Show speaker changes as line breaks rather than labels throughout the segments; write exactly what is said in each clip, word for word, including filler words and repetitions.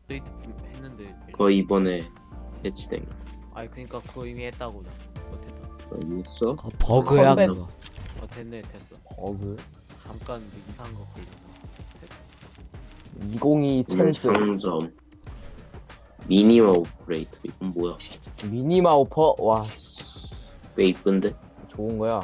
업데이트 했는데.
그거 이번에 배치된 거.
아니 그니까 그거 이미 했다고 나. 그거 됐다.
어디 있어?
그 버그야
컴백.
그거.
어 됐네 됐어.
버그
잠깐 이상한 거 걸려.
이공이 첼스
상점 미니마 오퍼레이터 이건 뭐야?
미니마 오퍼. 와
왜 이쁜데?
좋은 거야.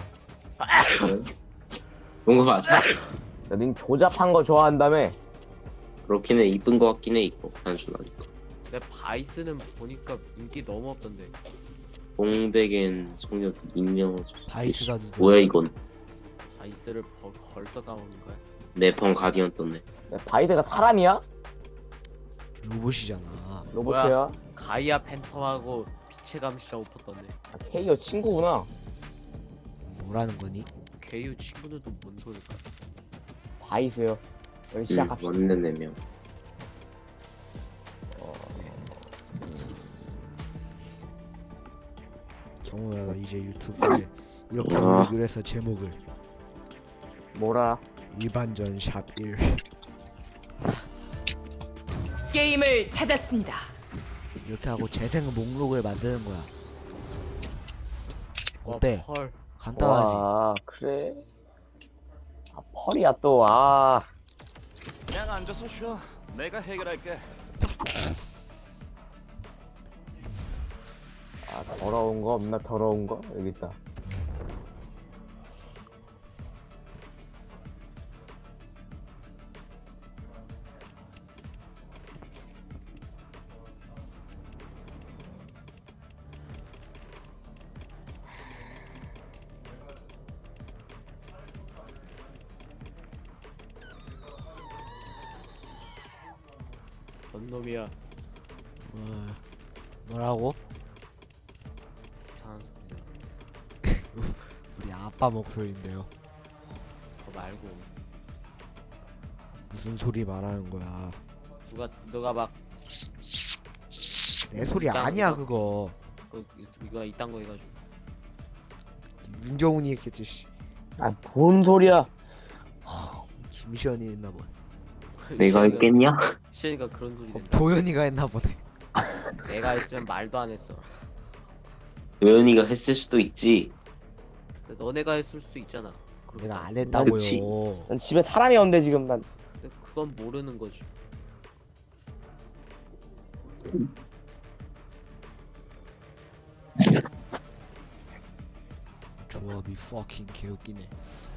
좋은 거 맞아?
님 조잡한 거 좋아한다며.
그렇긴 해. 이쁜 거 같긴 해. 이거 단순하니까.
근데 바이스는 보니까 인기 너무 없던데.
공백엔 소녀 익명.
바이스가 누구?
뭐야 이건?
바이스를 버, 벌써 까먹는 거야?
내펑 가디언 떴네.
야, 바이드가 사람이야?
로봇이잖아.
로봇이야?
가이아 팬텀하고 빛의 감시자 오퍼 떴네.
아, 케이오 친구구나.
뭐라는 거니?
개유 친구들도 뭔 소릴까?
바이스요. 우리
응,
시작합시다.
맞는 네 명.
정우야 나 이제 유튜브에 이렇게
어.
올리기로 해서 제목을
뭐라?
일반전 샵 일.
게임을 찾았습니다.
이렇게 하고 재생 목록을 만드는 거야. 어때?
와, 펄.
간단하지?
와 그래? 아 펄이야 또. 아
그냥 앉아서 쉬어. 내가 해결할게.
아, 더러운 거 없나? 더러운 거? 여기 있다.
뭔 놈이야?
어, 뭐라고?
이상한 소리야.
우리 아빠 목소리인데요.
그거 말고
무슨 소리 말하는 거야?
누가 누가 막
내 소리
이딴
아니야
거.
그거.
그, 이거 이딴 거 해가지고.
윤경훈이 했겠지. 씨.
아뭔 소리야?
김시현이 했나 보네.
내가 했겠냐?
시현이가 그런 소리
어,
낸다.
도현이가 했나 보네.
내가 했으면 말도 안 했어.
도현이가 했을 수도 있지.
근데 너네가 했을 수도 있잖아.
내가 안 했다고요.
그치.
난 집에 사람이 없는데 지금. 난
근데 그건 모르는 거지.
조합이 fucking 개웃기네.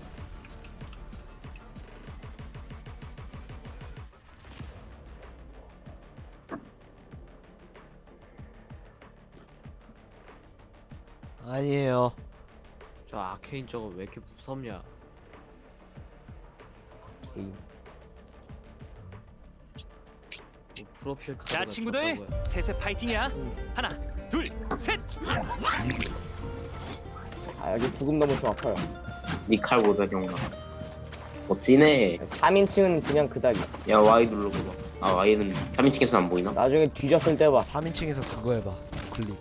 아니에요.
저 아케인 저거 왜 이렇게 무섭냐?
게임.
뭐 프로필 카드가
자 친구들,
저딴 거야.
셋의 파이팅이야. 하나, 둘, 셋.
아 여기 죽음 너무 좀 아파요.
니 칼 보자 경아. 멋지네.
삼 인칭은 그냥 그닥이야.
야 Y 눌러봐봐. 아 Y는 삼 인칭에서 안 보이나?
나중에 뒤졌을 때 봐.
삼 인칭에서 그거 해봐. 클릭.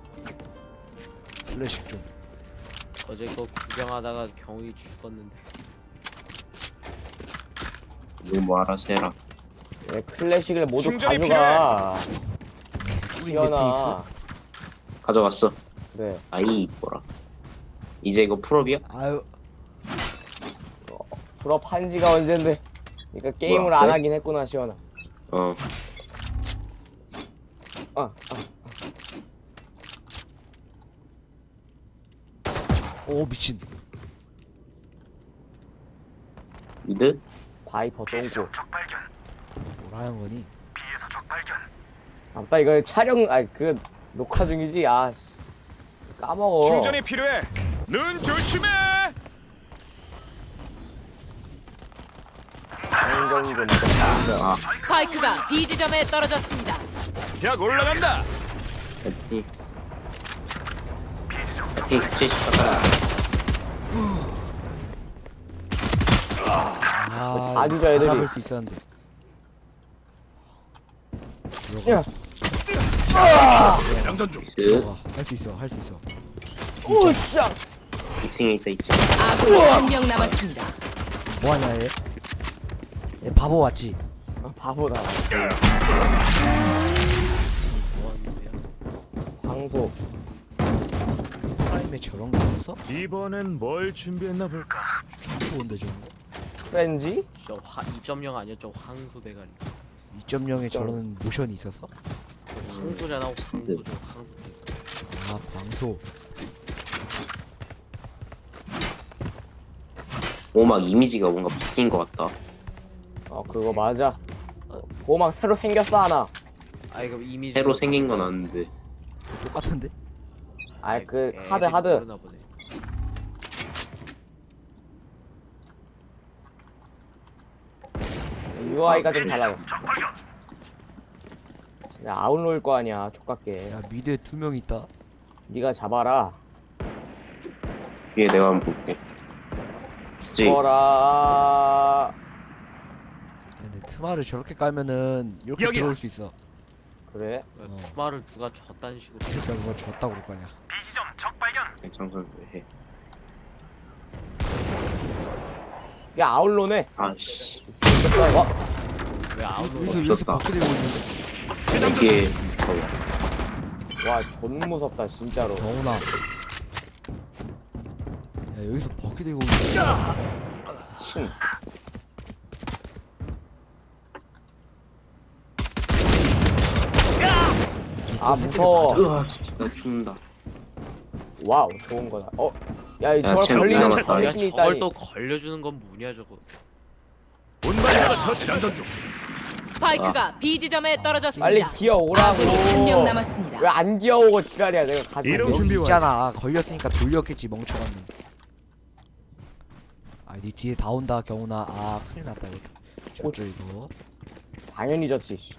플래식 좀.
어제 그거 구경하다가 경이 죽었는데.
너뭐 알아서 해라.
왜 클래식을 모두
충전이
가져가?
우리
시연아.
넷플릭스?
가져갔어.
그래.
아이 이뻐라. 이제 이거 풀업이야?
아유
풀업 한 지가 언젠데. 그러니까 게임을
뭐야,
안
그래?
하긴 했구나 시연아.
어.
아, 아.
오 미친.
미드?
바이퍼 똥꼬.
뭐라는 거니?
아빠 이거 촬영 아니 그 녹화 중이지. 아 씨. 까먹어.
충전이 필요해. 눈 조심해.
충전 좀.
아
스파이크가 B 지점에 떨어졌습니다.
벽 올라간다.
에피. 에피 칠십 가까이.
아
다 죽여, 애들이.
잡을 수 있었는데.
야.
장전 중.
그
할 수 있어 할 수 있어.
우샤.
이 층에 있다 이 층.
아군이 한 명 남았습니다.
뭐하냐 얘? 얘 바보 왔지?
아, 바보다.
이번엔 뭘 준비했나 볼까?
총 좋은데 저런 거?
프렌지?
저 화, 이 점 영 아니었죠? 황소 대가리.
이 점 영에 저런 모션이 있어서?
황소잖아, 황소죠. 황소 대가리.
아 광소.
오막 이미지가 뭔가 바뀐 것 같다.
어 그거 맞아. 어, 보호막 새로 생겼어 하나.
아이 그럼 이미지
새로 생긴 건 아는데.
똑같은데?
아이 그
애들이
하드 하드.
모르나 보네.
유아이가 좀 달라요. 야 아웃로일 거 아니야 족같게.
야 미드에 두 명 있다.
네가 잡아라.
위에 내가 한번 볼게. 죽지.
죽어라.
야, 근데 트마를 저렇게 깔면은 이렇게
여기야.
들어올 수 있어.
그래?
어.
투마를 누가 줬다는 식으로.
그러니까 누가 줬다 그럴 거 아니야.
장선 왜 해?
야 아웃로네.
아씨.
와,
왜 아웃로?
여기서 여기서 밖에 들고 있는데.
이게
와, 존 무섭다 진짜로.
경훈아. 야 여기서 버킷 들고 있는데.
친. 아 무서워.
으아, 나 죽는다.
와우 좋은 거다. 어, 야, 이
야,
저걸
쟤는
걸리는
미안하다.
야
정신이
저걸
있다니.
또 걸려주는 건 뭐냐 저거.
운반자가 처치한다 중.
스파이크가 B 지점에
빨리
떨어졌습니다.
기어 오라고.
아군이 한 명 남았습니다.
왜 안 기어오고 지랄이야? 내가 가지고.
이름
여기
준비 완료.
있잖아. 걸렸으니까 돌렸겠지 멍청한 놈. 아니 뒤에 다 온다 경훈아. 아 큰일 났다 이거. 저쪽 이거.
당연히 졌지. 씨.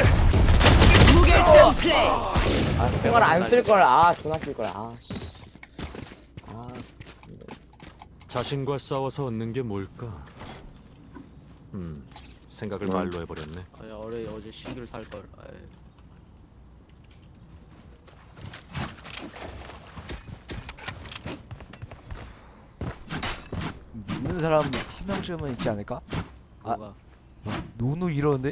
무결점 플레이.
아, 생활 안쓸 걸. 아, 존나 쓸 걸. 아, 씨. 아,
자신과 싸워서 얻는 게 뭘까? 음, 생각을 말로 해버렸네.
아니 어제 어제 신기를 살 걸.
믿는 사람 한 명씩은 있지 않을까?
뭐가?
노노 이러는데?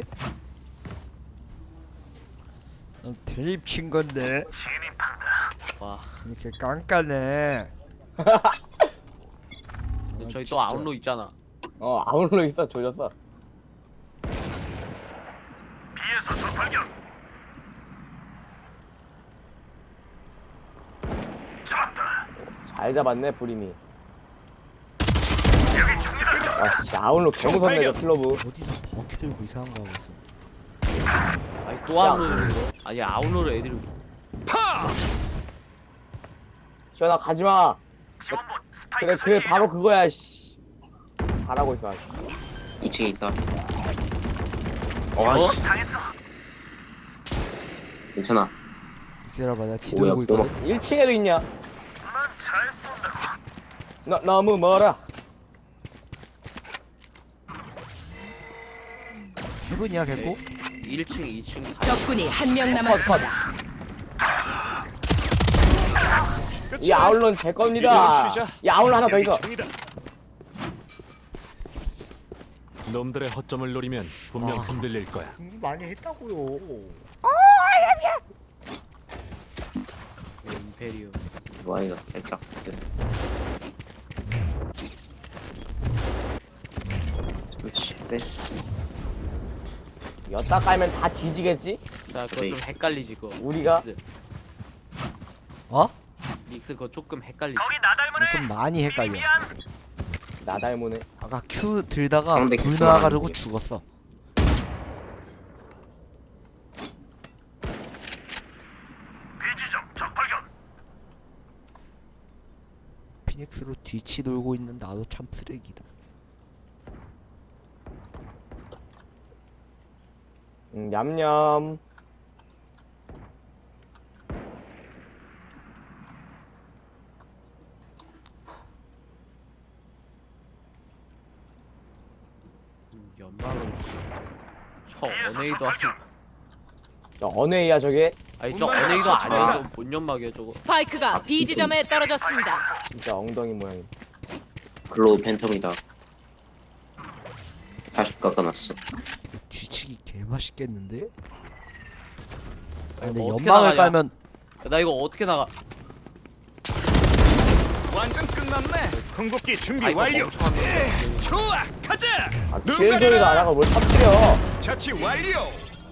난 드립 친 건데
와.
이렇게 깐깐해.
근데
아,
저희
진짜.
또 아웃로 있잖아.
어, 아웃로 있어. 조졌어. 잘 잡았네, 부림이. 아, 진짜 아웃로 개무섭네, 저 클로브.
어디서 버킷 들고 이상한 거 하고 있어.
아니 또 아웃로를 거? 아니 아웃로를 애들이.
시원아, 가지마. 그래, 그래, 바로 그거야, 씨. 잘하고 있어, 아직.
이 층에 있다.
어?
어? 괜찮아.
기다려봐 내가 뒤
뭐야,
돌고 있거든.
일 층에도 있냐? 너, 너무 멀어.
해븐이야 개코?
일 층, 이 층 다.
적군이 한 명
컷, 컷.
남았습니다.
이 아웃론 제 겁니다.
이제 쉬자.
이 아웃론 하나 더 있어.
총이다.
놈들의 허점을 노리면 분명
아.
흔들릴 거야.
많이 했다고요.
임페리움.
와이가 살짝. 그렇지. 네.
여따 깔면 다 뒤지겠지?
자 그거 좀 헷갈리지 그거.
우리가?
믹스.
어?
믹스 그거 조금 헷갈리지.
좀 많이 헷갈려.
나 닮으네.
아까 Q 들다가
상대
불
Q
나와가지고
말하는 게.
죽었어. 피닉스로 뒤치 돌고 있는 나도 참 쓰레기다.
음, 냠냠.
음, 연막은 씨. 저 어네이도 아니.
저 어네이야 저게?
아니 저 어네이도 아니야. 저 본연막이야 저거.
스파이크가 B 지점에 떨어졌습니다.
진짜 엉덩이 모양이.
글로우 팬텀이다. 다시 깎아놨어.
뒤치기 개 맛있겠는데? 아,
아니,
근데
뭐 어떻게
연막을
나가냐?
깔면
나 이거 어떻게 나가?
완전 끝났네. 궁극기 준비
아, 이거
완료.
멍청한 놈.
좋아, 가자.
아
눈
뒤에 소리가 안
가려라.
하고 뭘 터뜨려.
자치 완료.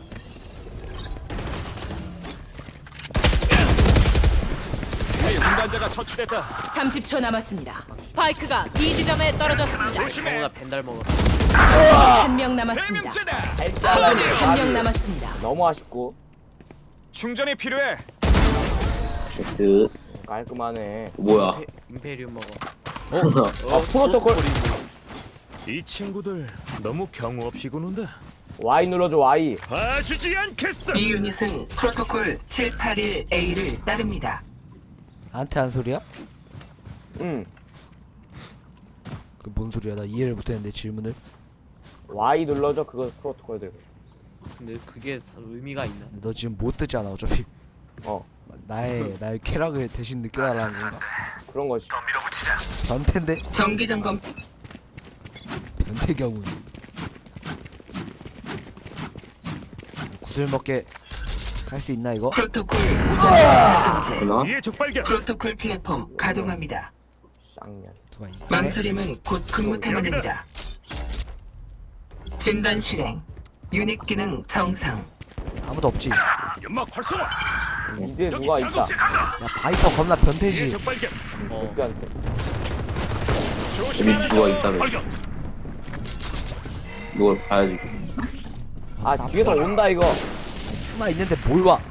위에 운반자가 처치됐다.
삼십 초 남았습니다. 스파이크가 B 지점에 떨어졌습니다.
조심해.
경우나 벤달 먹어.
한 명
세
남았습니다.
명째다.
알짜라니.
한 명 남았습니다.
너무 아쉽고
충전이 필요해.
엑스
깔끔하네.
뭐야?
임페- 임페리움 먹어.
아 프로토콜.
이 친구들 너무 경우 없이 구는다.
Y 눌러줘 Y.
봐주지 않겠어.
이 유닛은 프로토콜 칠팔일 에이를 따릅니다.
나한테 한 소리야?
응.
그 뭔 소리야? 나 이해를 못했는데 질문을.
Y 눌러줘 그거 프로토콜 들고.
근데 그게 의미가 있나?
너 지금 못 듣잖아 어차피.
어
나의 나의 쾌락을 대신 느껴달라는 건가?
그런 거지.
변태인데?
정기 점검
변태 경우. 구슬 먹게 할 수 있나 이거?
프로토콜 무장 금지.
되나?
위에 적발견.
프로토콜 플랫폼 가동합니다.
쌍년.
누가 있네?
망설임은 곧 근무 태만입니다. 진단 실행. 유닛 기능 정상.
아무도 없지. 야
연막 활성화.
미드에 누가 있다.
작업자.
바이퍼 겁나
위에
변태지.
적발견.
어.
적비한테.
조심하라.
누가 있다며.
발견.
누가 봐야지.
아 뒤에서 온다 이거.
스마 있는데 뭘 와?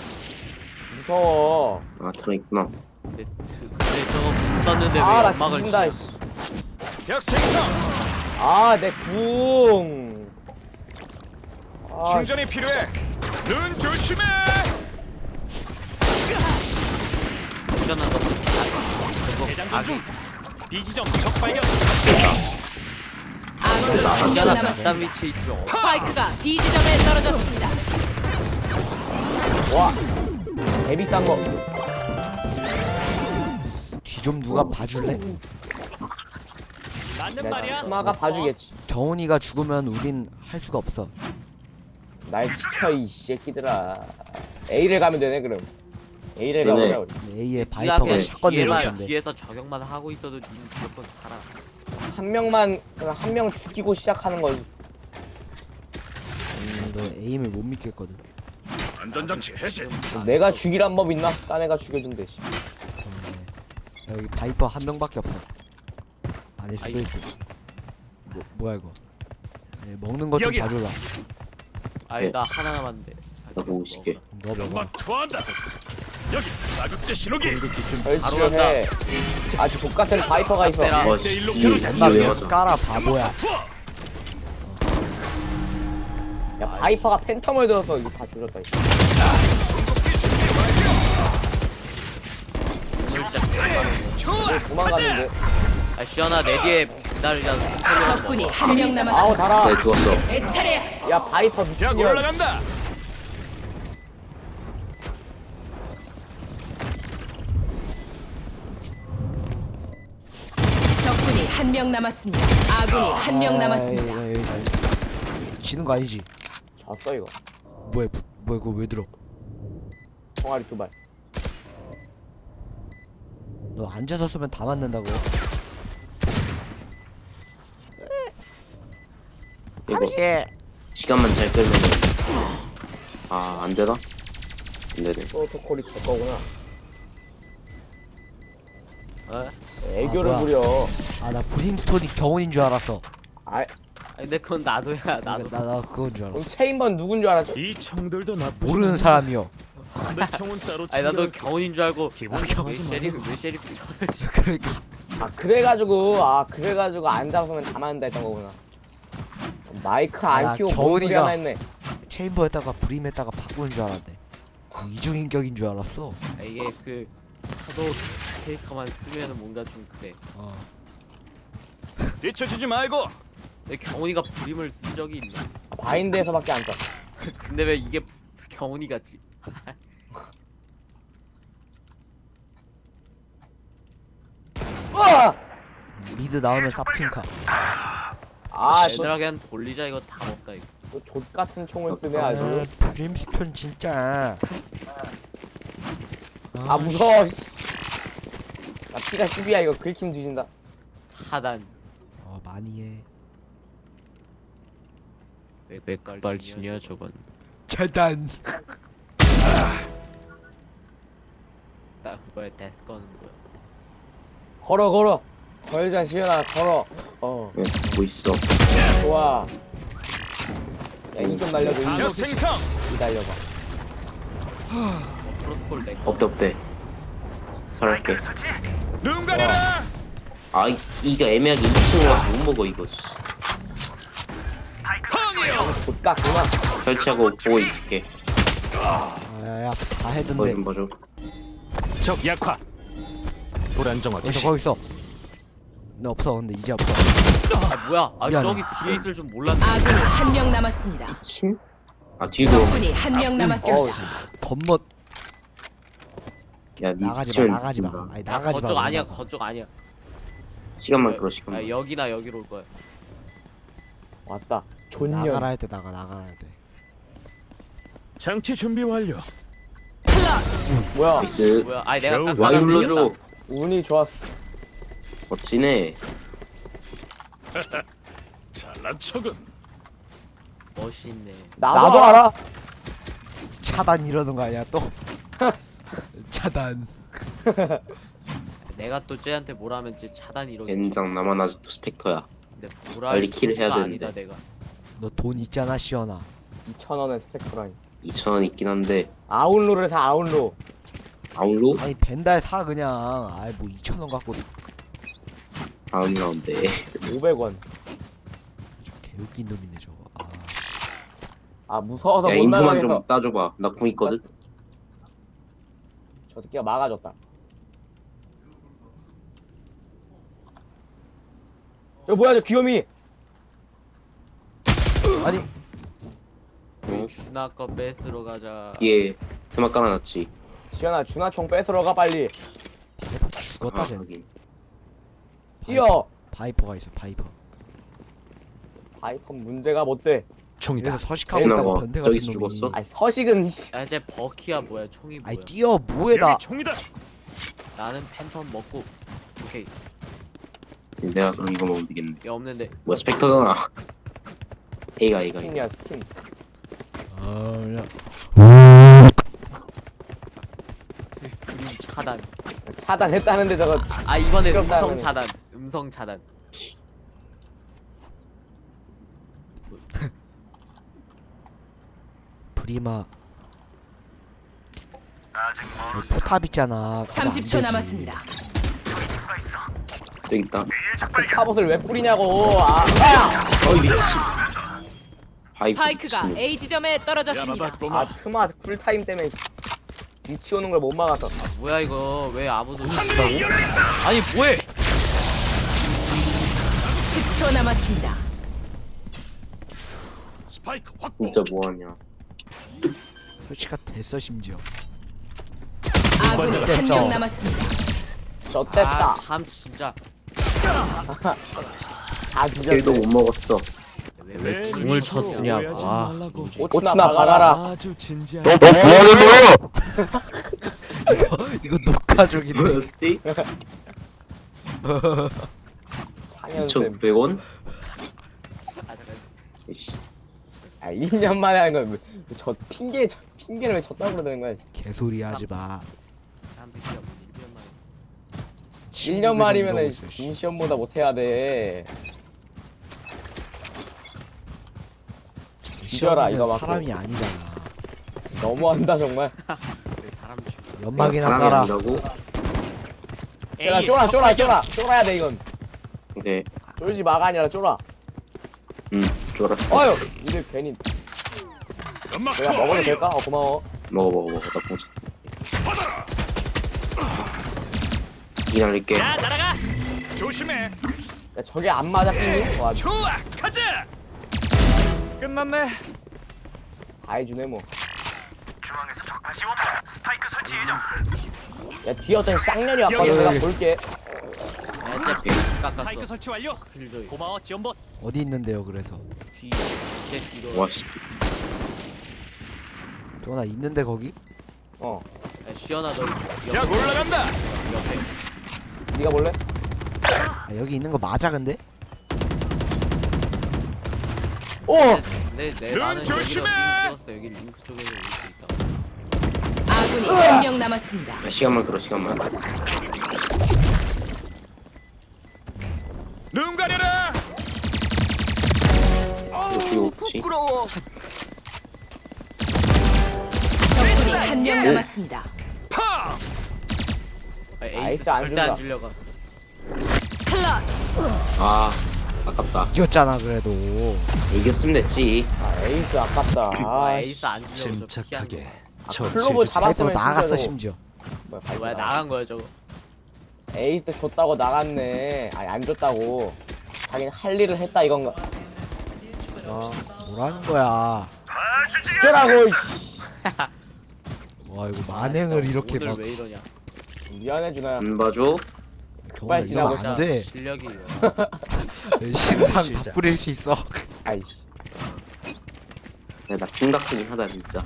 무서워.
아 들어있구나.
근데, 트- 근데 저거 못 쐈는데 왜
아나
연막을
죽는다.
치냐?
약 생성.
아내 궁. 아
충전이 필요해. 눈 조심해.
충전한 거. 저거
대장전 중.
아기.
비지점 적발견.
아군이 한 명
충전한
남았습니다.
뒷담 위치에 있으면
스파이크가 B 지점에 떨어졌습니다.
와. 데뷔 딴 거.
뒤 좀 누가 봐줄래?
맞는
내가
말이야.
스마가 봐주겠지.
경훈이가 죽으면 우린 할 수가 없어.
날 지켜 이 새끼들아. A를 가면 되네 그럼. A를
네네.
가보자 우리.
A에
네가
바이퍼가
그냥
샷건
뒤에만-
내밀던데.
뒤에서 저격만 하고 있어도 니 무조건 살아.
한 명만 한 명 죽이고 시작하는 거지.
음, 너 에임을 못 믿겠거든.
안전장치 해제.
내가 죽이란 법 있나? 딴 애가 죽여준 대지.
네. 여기 바이퍼 한 명밖에 없어. 아닐 수도
아이.
있고. 뭐, 뭐야 이거? 네, 먹는 것 좀
여기야.
봐줘라.
아니
네.
나 하나 남았는데.
나 보고 싶게.
너 먹어.
연막 투하한다. 여기 자극제 신호기.
바로
설치를 해. 아주 족같은 바이퍼가 있어.
빼라.
어,
내 일로
이
겨루자.
나
왜
왜
와서?
깔아 바보야.
투하.
야 바이퍼가 팬텀을 들어서 이거 다 조졌다. 이거.
궁극기 준비 완료.
진짜.
좋아.
도망갔는데.
아 시연아 내 뒤에 기다리자.
적군이 한 명
아우
남았습니다.
달아.
네 죽었어.
내 차례.
야 바이퍼
약
미친년.
올라간다.
적군이 한 명 남았습니다. 아군이 한 명 남았습니다.
아이, 아이, 아이. 지는 거 아니지?
졌어 이거.
뭐야 부, 뭐야 그거 왜 들어?
총알이 두 발.
너 앉아서 쓰면 다 맞는다고.
이거 시간만 잘 끌면 아 안되나? 안되네.
프로토콜이 제 거구나.
어?
애교를
아,
부려.
아 나 브림스톤이 경훈인 줄 알았어.
아
아니 근데 그건 나도야 나도.
나, 나 그건 줄 알았어.
그럼 체인번 누군 줄 알았죠?
이 총들도 나쁘지
모르는 사람이요.
내 총은 따로
아니 나도
챙겨갈게.
경운인 줄 알고.
기분
아, 왜
상하지
셰리프
말고.
왜 셰리프 쳐들지?
그러니까
아 그래가지고 아 그래가지고 안 잡으면 다 맞는다 했던 거구나. 마이크 안
야,
키고 뭔 소리
겨울이가-
하나 했네.
체인버에다가 브림에다가 바꾸는 줄 알았네. 이중인격인 줄 알았어.
아, 이게 그 파도 캐릭터만 쓰면은 뭔가 좀 그래.
어.
뒤처지지 말고.
내 경운이가 브림을 쓴 적이 있나?
아, 바인드에서밖에 안 써.
근데 왜 이게 경운이 같지?
으아!
미드 나오면 쌉팅카.
아,
얘들아 그냥 돌리자 이거 다 먹다 이거.
또족 같은 총을 쓰네 아주.
아, 브림스톤 진짜.
아 무서워. 씨. 나 피가 십이야 이거 긁힘 뒤진다.
차단.
어 많이 해.
맥발진이야 저건.
차단.
나 뭐야 데스건은 뭐야?
걸어 걸어. 걸자 시연아 걸어. 어
왜 보고 있어?
좋아. 야이좀 날려줘.
방역
이
생성.
이 달려봐.
프로토콜 내.
없대 없대. 설할게.
눈 가려라.
아 이- 이거 애매하게 이 층으로 가서 못 먹어 이거. 씨.
곧 깎구나.
설치하고 보고 있을게.
아야야 다
뭐
해던데.
좀 봐줘.
적 약화. 불안정화
거기 있어
개시.
거기 있어. 너 없어 근데 이제 없어.
아 뭐야? 아
미안해.
저기 뒤에 있을 줄 몰랐네.
아군이 한 명 남았습니다.
친? 아 뒤도.
적군이 한 명
어우
남았습니다.
겉멋
야니
나가지 마
스치면
나가지 마.
죽는다.
아니
나
나가지 마.
거쪽 아니야
나가.
거쪽 아니야.
시간만 끌어
아
시간만.
여기나 여기로 올 거야.
왔다. 존년.
나가라 할 때 나가 나가라 할 때.
장치 준비 완료.
뭐야?
나이스.
뭐야? 아니 내가
겨우
깎-
와
깎아서
눌러줘.
이겼다.
운이 좋았어.
멋지네.
잘난 척은.
멋있네.
나도, 나도 알아.
차단 이러는 거 아니야 또? 차단.
내가 또 쟤한테 뭐라면 쟤 차단 이러겠지.
젠장 나만 아직도 스펙터야.
근데 뭐라
빨리 킬을 해야
아니다
되는데.
내가.
너 돈 있잖아 시연아.
이천 원의 스펙트라인.
이천 원 있긴 한데
아웃로를 사 아웃로.
아웃로
아니 벤달 사 그냥. 아이 뭐 이천 원 갖고.
다음 라운드.
오백 원.
저 개웃긴 놈이네 저거. 아 씨.
아 무서워서
야
못
인구만
나가겠어.
좀 따줘봐. 나 궁 있거든.
저 새끼가 막아줬다. 저 뭐야 저 귀요미.
아니
어?
준아 거 뺏으러 가자.
얘 테마 깔아놨지.
시연아 준하총 뺏으러 가 빨리.
바이퍼 죽었다
아,
쟤.
하긴.
뛰어.
바이퍼가 있어 바이퍼.
바이퍼 문제가 못돼.
총이다.
그래서 서식하고 있다고
나와.
변태 같은
여기서
놈이.
죽었어?
아니 서식은 씨.
야 쟤 버키야 뭐야? 총이 뭐야?
아이 뛰어 뭐해 나.
여기 총이다.
나는 팬텀 먹고. 오케이.
내가 그럼 이거 먹으면 되겠네.
야 없는데.
뭐야 스펙터잖아. A가 A가.
스킨이야 스킨.
아 야.
그림 차단.
차단했다는데 저거.
아 이번에
시끄럽다,
음성
그러네.
차단. 음성 차단.
프리마. 여기 포탑 있잖아. 그거 안
삼십 초
되지.
남았습니다.
저기 있다.
그 갑옷을 왜 뿌리냐고. 아. 아!
어이 미친. 바이프
스파이크가
미친.
A 지점에 떨어졌습니다.
야마봤구만.
아 트마 쿨타임 때문에 씨. 위치 오는 걸 못 막았어.
뭐야 이거 왜 아무도 못한다고? 아니 뭐해?
십 초 남았습니다.
스파이크 확보.
진짜 뭐하냐.
설치가 됐어 심지어.
아군이 한
됐어.
명 남았습니다.
저 뗐다.
아참 진짜.
다
킬도
뒤졌네.
못 먹었어.
왜,
내
왜 궁을
인식으로
쳤으냐?
오해하지
와.
말라고.
뭐지?
오추나 박아라.
아주 진지한.
이거 이거 녹화 중인데.
뭐였지?
창현쌤.
이천구백 원?
아 잠깐.
이씨.
아 일 년 만에 하는 거. 저 핑계 저 핑계를 왜 쳤다고 그러는 거야.
개소리 하지 마.
사람들이 일 년 만에.
일 년 말이면은
이러고 있어, 씨.
임시험보다 못해야 돼. 뒤져라, 이거
시험이는
맞고.
사람이 아니잖아.
너무한다 정말.
왜 사람 죽여?
연막이나
사람이
깔아.
아니라고?
야 쫄아 쫄아 쫄아 쫄아야 돼 이건.
오케이.
쫄지 마가 아니라 쫄아.
응. 쫄았어.
어휴 이들 괜히
연막
내가 먹어도 될까? 어 고마워.
먹어 먹어 먹어. 나 봉쳤어. 이 날릴게.
야 날아가. 조심해.
야 저게 안 맞아 끼니? 와
좋아 가자. 끝났네.
다 해주네 뭐.
중앙에서 적 다시 온다. 스파이크 설치 예정.
야 뒤에 어떤 쌍년이 왔거든. 내가 볼게.
야, 쟤 깎았어.
스파이크 설치 완료.
킬조이.
고마워 지원봇.
어디 있는데요 그래서.
뒤. 쟤 뒤로.
와 씨.
도나 있는데 거기?
어.
야, 시연아 너
야
옆에.
올라간다.
옆에.
네가 볼래?
아, 여기 있는 거 맞아 근데?
오!
네, 네, 나는 여기로 링 찍었어. 여기 링크 쪽에서 올 수 있다.
아군이 한 명 남았습니다.
야, 시간만 끌어 시간만.
눈 가려라.
어우
부끄러워.
적군이 한 명 남았습니다.
파.
아, 에이스
나이스, 안
절대 안
준다.
주려고.
클러치.
아 아깝다.
이겼잖아 그래도.
이겼으면 됐지.
아 에이스 아깝다.
아,
아
에이스 안 주려고 저 피한 거.
침착하게
아,
저
클로버
질주
잡았으면
파이프로 나갔어
진짜로-
심지어.
뭐야,
아, 뭐야 나간 거야 저거.
에이스 줬다고 나갔네. 아니 안 줬다고. 자기는 할 일을 했다 이건가. 어.
뭐라는 거야.
어쩌라고.
와 이거 만행을 이렇게
오늘
막
왜 이러냐.
미안해 준아야.
안 봐줘.
경험을
빨리
이러면
지나가자.
안 돼.
실력이.
신상 다 뿌릴 수 있어.
아이씨.
야, 나 킹닥치긴 하다 진짜.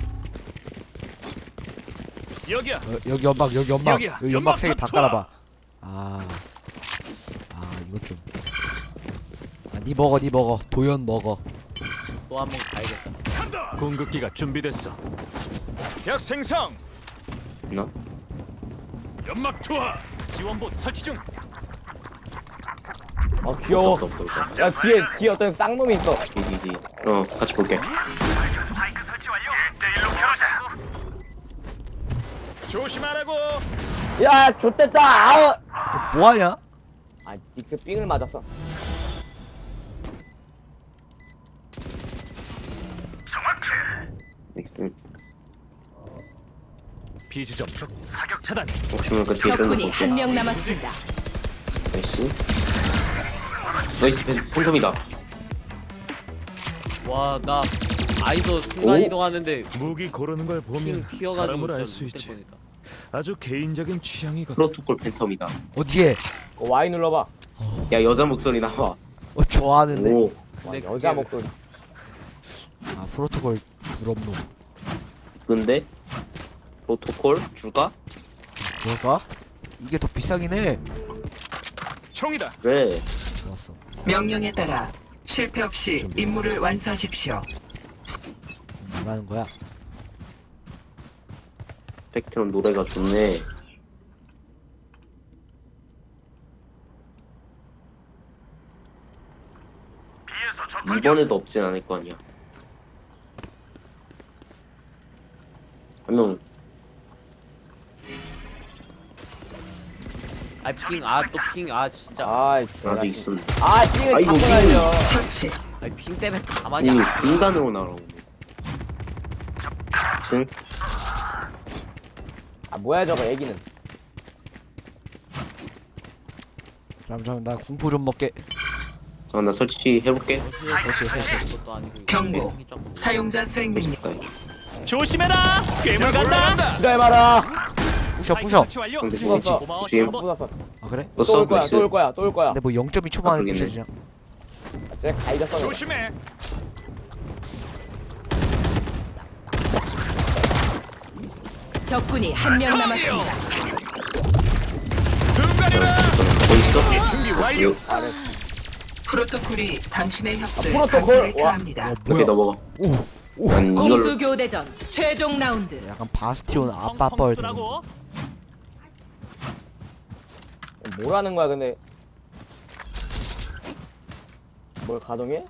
여기야.
어, 여기 연막 여기 연막
여기야.
여기 연막
연막
세 개 다
투하.
깔아봐. 아, 아 이거 좀. 아, 니 먹어 니 먹어 도연 먹어.
또 한 번 가야겠다.
궁극기가 준비됐어.
약 생성.
너?
연막 투하. 지원봇 설치 중.
어 귀여워.
없다 없다 없다.
야 뒤에 뒤에 어떤 쌍놈이 있어.
디디디. 어 같이 볼게.
조심하라고.
야 좆됐다. 아우.
어, 뭐하냐?
아 닉스 삥을 맞았어.
넥슨.
비지점 적 사격 차단.
혹시 모르니까 뒤에 뜬다
적군이 한
볼게.
명 남았습니다.
나이스. 나이스 팬- 팬텀이다.
와 나 아이도 순간
오?
이동하는데
무기 고르는 걸
핑
보면
튀어가지고
사람을 알
진짜
수
못될
있지.
뻔했다.
아주 개인적인 취향이거든.
프로토콜 팬텀이다.
어디에?
어, Y 눌러봐.
야 여자 목소리 나와.
어 좋아하는데.
오.
와,
근데
여자
그게-
목소리.
아 프로토콜 부럽노.
근데 프로토콜 줄까?
뭘까? 이게 더 비싸긴 해.
총이다.
그래.
좋았어.
명령에 따라 실패 없이 임무를 완수하십시오.
뭐라는 거야?
스펙트럼 노래가 좋네. 이번에도 없진 않을 거 아니야. 한 명.
아핑아또핑아 진짜.
아
나도
진짜.
있었네.
아 삥을
아이고,
자꾸
삥.
날려.
처치.
아니 핑 때문에 가만히
아니
안.
인간으로 날아오네. 층.
아 뭐야 저거 애기는.
잠시만 나 공포 좀 먹게.
아 나 설치 해볼게.
그렇지 그렇지.
것도 아니고.
경고.
핑이 조금-
사용자 수행 능력.
조심해라. 괴물 간다.
기다려봐라.
부셔 부셔.
완료.
근데
죽었어.
스위치
고마워.
뒤에
부쉈어.
아 그래?
또
또 올 거야.
서브
또 올 거야. 또 올 거야.
근데 뭐 영 점 이 초 만에
아, 그러겠네.
부셔지냐?
쟤 가이가 써.
조심해.
적군이 한 명 남았습니다.
눈 가려라.
뭐 있어?
준비 완료.
프로토콜이 당신의 협조에
프로토콜?
감사를
와.
표합니다.
와
이렇게
뭐야?
넘어가.
오. 오.
난
공수
이걸
교대전 최종 라운드.
약간 바스티온 아빠 뻘 되는.
펑펑스라고.
뭐라는 거야 근데. 뭘 가동해?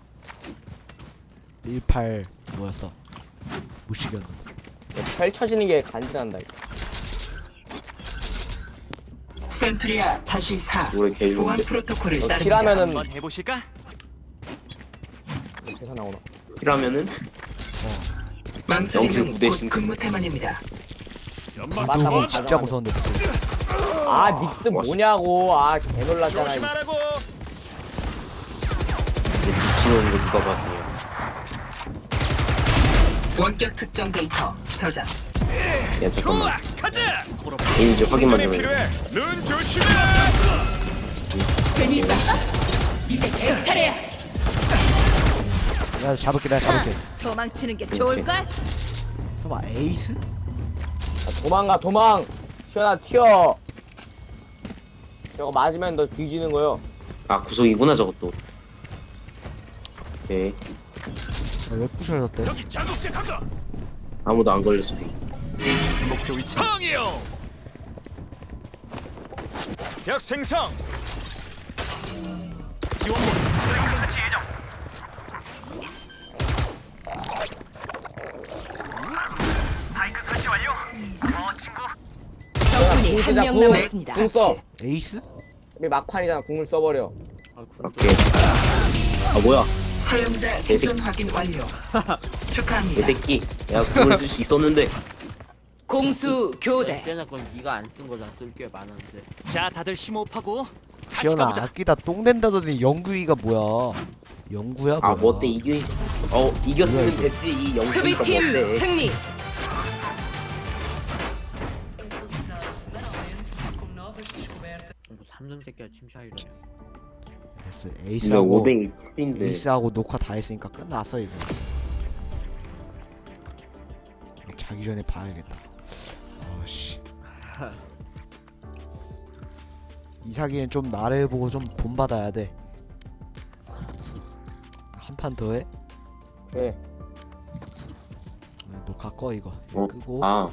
일팔 뭐였어? 무식이었는데.
펼쳐지는 게 간지난다. 이거.
센트리아 다시 사.
노래 개
보안
좋은데.
프로토콜을
너
따릅니다.
킬하면은
한번 해보실까?
대사 나오나?
킬하면은
망설이는
영킬
곧 근무 태만입니다.
연막
맞다고
누구
투하.
진짜 무서운데.
아 닉스 뭐냐고. 아 개놀랐잖아. 이거.
조심하라고.
미치는 거 누가 봐주냐.
원격 측정 데이터 저장.
야
좋아.
잠깐만.
가자.
이제 확인만 좀
충전이
해.
필요해. 눈 조심해.
재미있었어? 이제 내 차례야.
내가 잡을게 내가 잡을게.
도망치는 게 좋을걸?
설마 에이스?
아, 도망가 도망. 시원아 튀어. 저거 맞으면 너 뒤지는 거요.
아 구석이구나 저것도. 오케이.
아, 왜 부셔졌대?
여기 자극제 간다.
아무도 안 걸릴 수도 있고.
목표 위치. 항이요. 약 생성. 지원복. 설치 예정. 스파이크 설치 완료. 어 친구.
적군이 한 명
궁,
남았습니다.
궁 써.
에이스?
우리 막판이잖아. 궁을 써버려.
아, 군
오케이. 아 뭐야?
사용자 생존 확인 완료.
이
축하합니다.
새끼. 야 그걸 쓸 수 있었는데.
공수 교대.
꽤나 건 네가 안 쓴 거잖아. 쓸 게 많았는데.
자 다들 심호흡하고. 다시
시연아
가보자.
아끼다 똥 낸다더니 영구이가 뭐야? 영구야 뭐야?
아 뭐 어때 이겨? 어 이겼으면 됐지 이 영수가
수비팀
뭔데?
승리.
뭐 삼성 새끼야 침샤이러냐.
됐어.
이거
에이스하고
오백이 칠인데.
에이스하고 녹화 다 했으니까 끝났어 이거. 자기 전에 봐야겠다. 어씨. 이사기엔 좀 나를 보고 좀 본받아야 돼. 한 판 더 해?
네.
녹화 꺼 이거. 이거
어?
끄고.
아